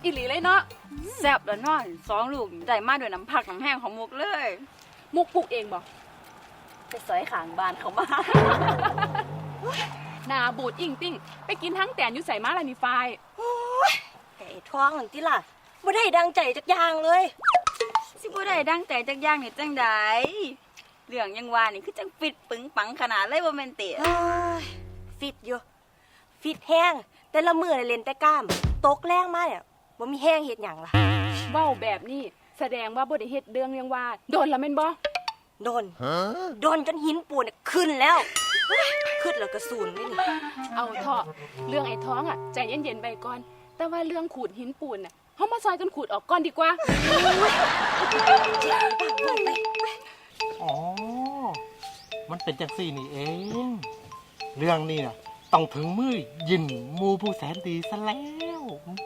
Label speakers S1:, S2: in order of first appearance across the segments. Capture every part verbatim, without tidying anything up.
S1: อีหลีเลยเนาะแซ่บแล้วเนาะสองลูกได้มาด้วยน้ำผักน้ำแห้งของมุกเลยมุกปลูกเองบ่ไปซอยขางบ้านเขามานาบูดอิ่งติ้งไปกินทั้งแตนอยู่ใส่มาลานิไฟ
S2: ไอ้ท้องนั่นติล่ะบ่ได้ดังใจจักอย่างเลย
S1: สิบ่ได้ดังใจจักอย่างนี่จังไดเรื่องยังว่านี่คือจังฟิตปึงปังขนาดเลยบ่แม่นติ
S2: ฟิตอยู่ฟิตแห้งแต่ละมื้อเล่นแต่กล้ามตกแรงมาเนี่ยบ่มีแห้งเฮ็ดหยังล่ะ
S1: เว้าแบบนี้แสดงว่าบ่ได้เฮ็ดเรื่องยังว่าโดนละแม่นบ่
S2: โดนโดนจนหินปูนขึ้นแล้วขึ้นแล้วก็สูญนี่นี่
S1: เอาเถอะเรื่องไอ้ท้องอ่ะใจเย็นๆไปก่อนแต่ว่าเรื่องขูดหินปูนน่ะเฮามาซอยกันขูดออกก่อนดีกว่า
S3: อ๋อมันเป็นจังซี่นี่เองเรื่องนี้น่ะต้องถึงมือยินมูผู้แสนดีซะแล้ว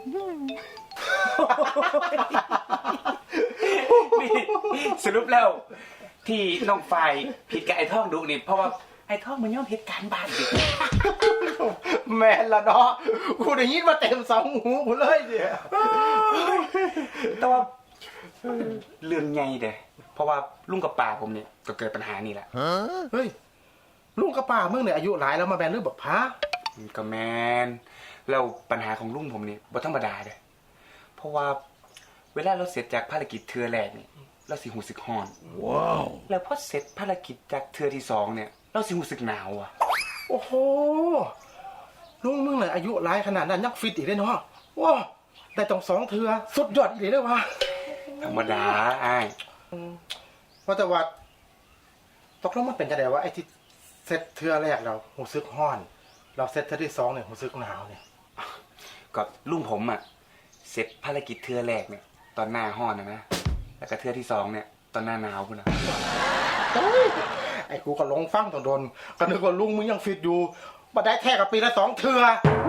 S4: นี่สรุปแล้วที่น้องฝ่ายผิดกับไอ้ท่องดุนี่เพราะว่าไอ้ท่องมันย่อมเหตุการณ์บ้านดิ
S3: แม่ละเนาะกูได้ยินมาเต็มสองหูกูเลยเนี่ย
S4: แต่ว่าเรื่องไงเด้เพราะว่าลุงกับป่าผมเนี่ยก็เกิดปัญหานี่แหละ
S3: เฮ้ยลุงกับป้ามึงเนี่ยอายุหลายแล้วมาแบนเรื่องแบบพระ
S4: ก็แมนแล้วปัญหาของลุงผมนี่บ่ธรรมดาเด้เพราะว่าเวลาเราเสร็จจากภารกิจเทือแรกนี่เราสิหูสึกฮ้อนว้าวแล้วพอเสร็จภารกิจจากเทือที่สองเนี่ยเราสิหูสึกหนาวอ่ะ
S3: โอ้โหลุงมึงเนี่ยอายุหลายขนาดนั้นยังฟิตอีกเลยเนาะว้าวแต่ต้องสองเทือสุดยอดอีกเลยวะ
S4: ธรรมดาอ้าย
S3: ว่าแต่ว่าตกลงมันเป็นจะได้ว่าไอ้ที่เซตเทือแรกเราหูซึกฮ้อนเราเซตเทือที่สองเนี่ยหูซึกหนาวเนี่ย
S4: ก็ลุงผมอ่ะเสร็จภารกิจเทือแรกเนี่ยตอนหน้าฮ้อนนะนะแล้วก็เทือที่สองเนี่ยตอนหน้าหนาวพุ่นนะ
S3: ไอ้กูก็ลงฟังตอนโดนก็นึกว่าลุงมึงยังฟิตอยู่มาได้แท้กับปีละสองเทือ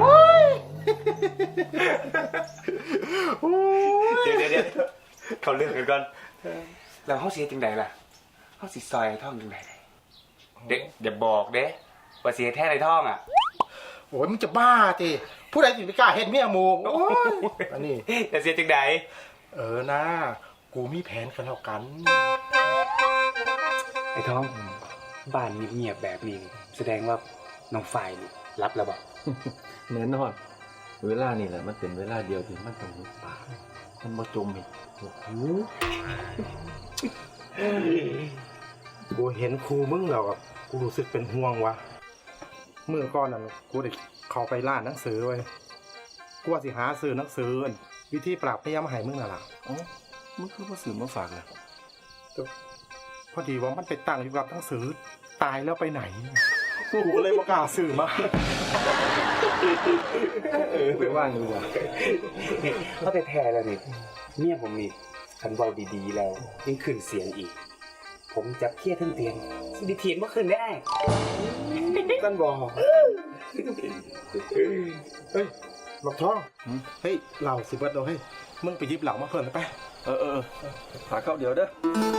S4: เดี๋ยวเดี๋ยวเดี๋ยวเขาเลือกกันก่อนแล้วเขาเสียจังใดล่ะเขาสิซอยไอ้ท่องจังใดเด็กอย่าบอกเด้ว่าเสียแท้ไอ้ท่องอ่ะ
S3: โอ้ยมึงจะบ้าจีผู้ใดสิไปกล้าเห็นเมียมูโอ้ยอันนี้
S4: แต่เสียจังใด
S3: เออนะกูมีแผนกันแล้วกัน
S4: ไอ้ท่องบ้านเงียบๆแบบนี้แสดงว่าน้องฝ่ายนี่รับแล้วบอก
S5: แน่นอนเวลานี่แหละมันเป็นเวลาเดียวที่มันต้องหุบปากมันมาจมอีกโอ้โห
S3: กูเห็นครูมึงแล้วอ่ะกูรู้สึกเป็นห่วงวะเมื่อก่อนน่ะกูได้เข้าไปร้านหนังสือไว้กูว่าสิหาซื้อหนังสือวิธีปราบพยายามให้มึงน่ะล่ะ
S5: อ๋อมึงคือมาซื้อมาฝากเลย
S3: พอดีว่ามันไปตั้งอยู่กับหนังสือตายแล้วไปไหนกูก็เลยบ่กล้าซื้อมา
S5: เออไปว่างดูว่ะ
S4: เขาแต่แท้แล้วนี่เมียผมนี่คันเว้าดีๆแล้วยิ่งขึ้นเสียงอีกผมจับเพี้ยทั้งเตียงสิดิเทียนบ่ขึ้นได้
S3: กันบอกเฮ้ยหลอกท้องเฮ้ยเหล่าสิเบิดเราเฮ้ยมึงไปยิบเหล่ามาเพิ่มไป
S5: เออเออหาเข้าเดี๋ยวเด้อ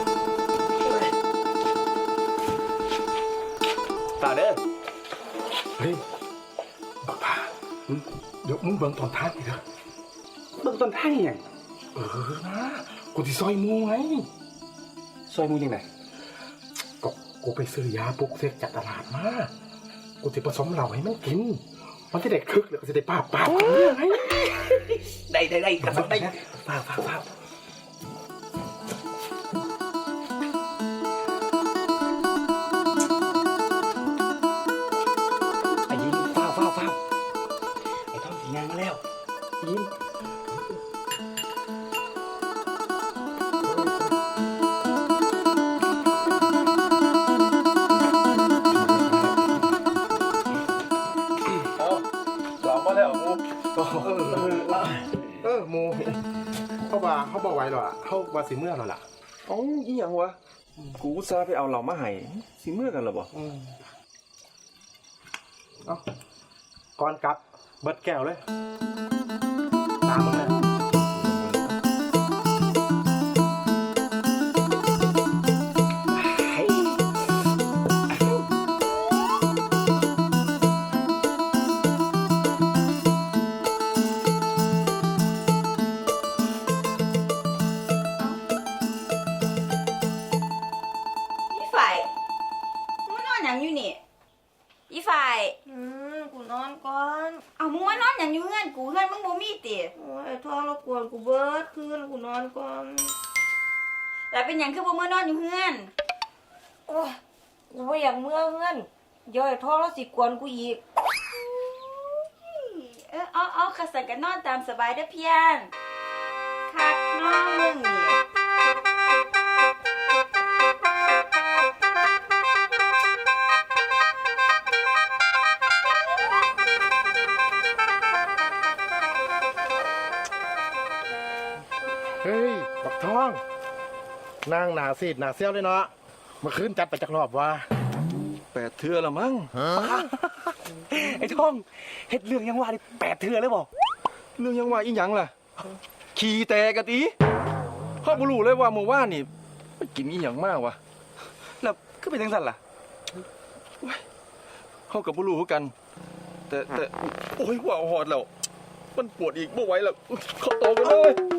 S4: ตาเด้อ
S3: เฮ้ยบักพาเดี๋ยวมึงเบิ่งตอนท้ายอีกเด้อ
S4: เบิ่งตอนท้ายยัง
S3: เออนะกูที่ซอยมูไง
S4: ซอยมูยังไง
S3: ก็กูไปซื้อยาปลุกเสกจากตลาดมากูจะผสมเหล่าให้มันกินมันจะได้คึกแล้วก็จะได้ปราบปราบไง
S4: ได้ได้ได้กระสับได้
S3: ปราบปราบปราบ
S4: ไอ้ยิ้มฟ้าวฟ้าวฟ้าวไอ้ท่องสีงานมาแล้วยิ้ม
S3: เออโมเขาว่าเขาบอกไว้หรอเขาว่าสีเมื่อหรอล่ะ
S5: อ๋ออีหยังวะกูซาไปเอาเหล่ามาให้สิเมื่อกันหรอบ่
S3: เอ้าก่อนกลับเบิดแก้วเลยตามมึงเลย
S1: อนหยังอยู่นี่อีฝ่าย
S2: อืมกูนอนก่อน
S1: เอามึงมานอนหยังอยู่เฮือนกูเฮือนมึงบ่มีติ
S2: โอ้ยไอ้ท้องรบกวนกูเบิดคืนกูนอนก่อน
S1: แล้วเป็นหยังคือบ่มานอนอยู่เฮือน
S2: โอ้ยกูไม่อยากเมื่อเงื่อนเดี๋ยวไอ้ท้องแล้วสิกวนกูอีก
S1: เออเอาเอาขัสันกันนอนตามสบายเด้อเพียนคักน้องมึงนี่
S3: เฮ้ยบักทองนั่งหนาซีดหนาเซี่ยวเลยเนาะเมื่อคืนจัดไปจากรอบว่า
S5: แปดเทื่อละมั้ง
S4: ไอ้ท่องเฮ็ดเรื่องยังว่าได้แปดเทื่อเลยบ่
S5: เรื่องยังว่าอีหยังล่ะ ขี่แต่กะตีพ่อบ่รู้เลยว่าเมื่อวานนี่ไปกินอีหยังมากวะ
S4: แล้วคือเป็นจังซั่นล่ะ
S5: เฮากับบ่รู้คือกัน แต่แต่โอ้ยว่าหอดแล้ว มันปวดอีกบ่ไหวแล้วเข้าโตกันเลย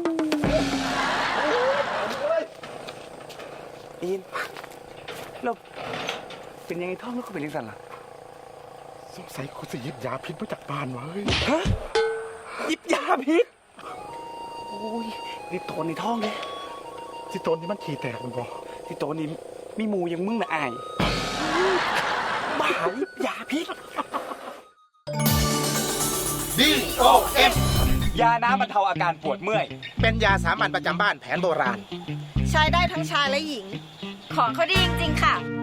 S4: อินแล้วเป็นยังไงท่องแล้วก็เป็นจังซั่นล่ะ
S3: สงสัยกูจะหยิบยาพิษมาจากบ้านวะเฮ้ย
S4: ฮะหยิบยาพิษโอ้ยนี่โตนในท้องเลย
S3: ที่ต้นนี่มันขี่แตกมันบ่
S4: ที่โตนนี่มีหมูอยังมึงน่ะอายบ้าหยิบยาพิษ
S3: ดี โอ เอ็ม
S4: ยาน้ำบรรเทาอาการปวดเมื่อย
S3: เป็นยาสามัญประจำบ้านแผนโบราณ
S2: ใช้ได้ทั้งชายและหญิง
S1: ของเขาดีจริงๆค่ะ